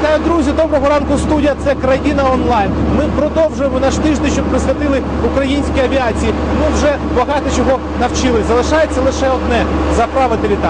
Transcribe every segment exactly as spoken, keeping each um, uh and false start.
Вітаю, друзі! Доброго ранку, студія! Це Країна онлайн. Ми продовжуємо наш тиждень, щоб присвятили українській авіації. Ми вже багато чого навчили. Залишається лише одне – заправити літак.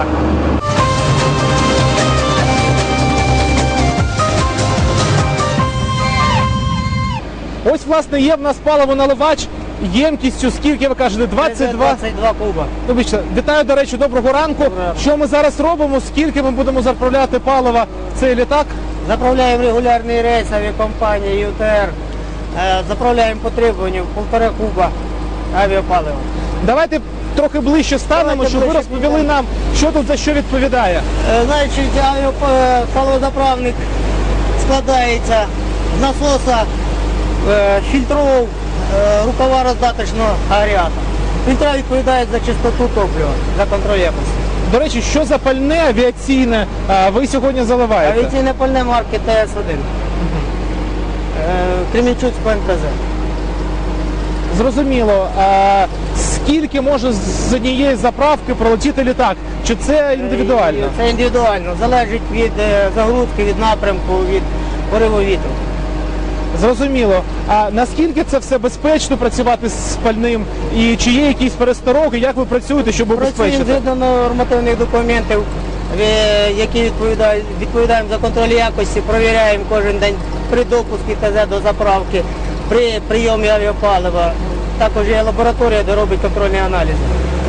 Ось, власне, є в нас паливоналивач ємкістю, скільки ви кажете, двадцять два? двадцять два куба. Вибачте, вітаю, до речі, доброго ранку. Доброго. Що ми зараз робимо, скільки ми будемо заправляти палива в цей літак? Заправляємо регулярний рейс авіакомпанії ю те ер. Е, Заправляємо по требуванню півтора куба авіапалива. Давайте трохи ближче станемо, Давайте щоб ви ближче розповіли підемо. нам, що тут за що відповідає. Е, Значить, авіапаливозаправник складається з насоса, е, фільтров, е, рукава роздаточного агрегата. Фільтра відповідають за чистоту топлива, за контроль якості. До речі, що за пальне авіаційне а, ви сьогодні заливаєте? Авіаційне пальне марки Те ес один. Е, Кременчуцького ен пе зет. Зрозуміло. А скільки може з однієї заправки пролетіти літак? Чи це індивідуально? Це індивідуально. Залежить від е, загрузки, від напрямку, від пориву вітру. Зрозуміло. А наскільки це все безпечно працювати з пальним? І чи є якісь перестороги? Як ви працюєте, щоб Працюємо убезпечити? згідно нормативних документів, е, які відповідають, відповідаємо за контроль якості, провіряємо кожен день при допуску ТЗ до заправки, при прийомі авіапалива. Також є лабораторія, де робить контрольні аналізи.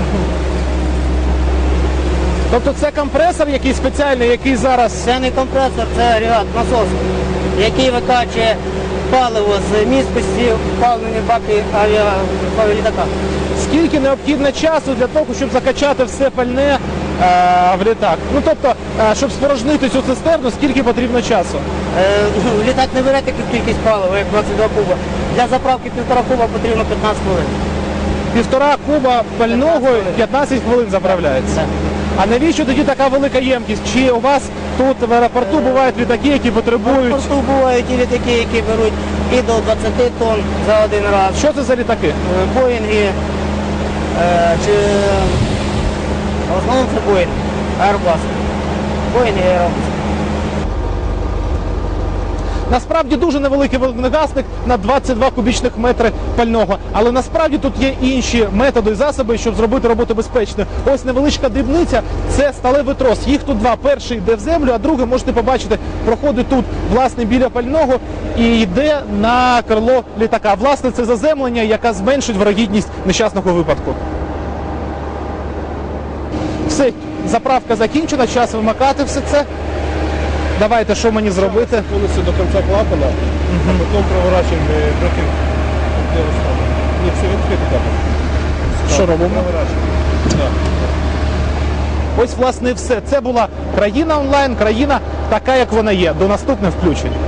Тобто це компресор якийсь спеціальний, який зараз... Це не компресор, це агрегат, насос, який викачує паливо з місткості впавлені баки авіалітака. Скільки необхідно часу для того, щоб закачати все пальне е, в літак? Ну, тобто, е, щоб спорожнити цю цистерну, скільки потрібно часу? Е, Літак не бере таку кількість палива, як двадцять два куба. Для заправки півтора куба потрібно п'ятнадцять хвилин. Півтора куба пального п'ятнадцять хвилин заправляється. А навіщо тоді така велика ємкість? Чи у вас тут в аеропорту бувають літаки, які В потребують... аеропорту бувають і літаки, які беруть і до двадцяти тонн за один раз. Що це за літаки? Е, Боїнги, е, чи в основному це Боїнг, Airbus. Боїнг і Airbus. Насправді дуже невеликий вогнегасник на двадцять два кубічних метри пального. Але насправді тут є інші методи і засоби, щоб зробити роботу безпечною. Ось невеличка дрібниця – це сталевий трос. Їх тут два. Перший йде в землю, а другий, можете побачити, проходить тут, власне, біля пального і йде на крило літака. Власне, це заземлення, яке зменшить вирогідність нещасного випадку. Все, заправка закінчена, час вимикати все це. Давайте, що мені зробити? Повністю до кінця клапана, а потім проворачуємо трохи де останнє. Ні, все відкрити клапан. Що робимо? Проворачуємо. Так. Ось, власне, і все. Це була Країна онлайн, країна така, як вона є. До наступних включень.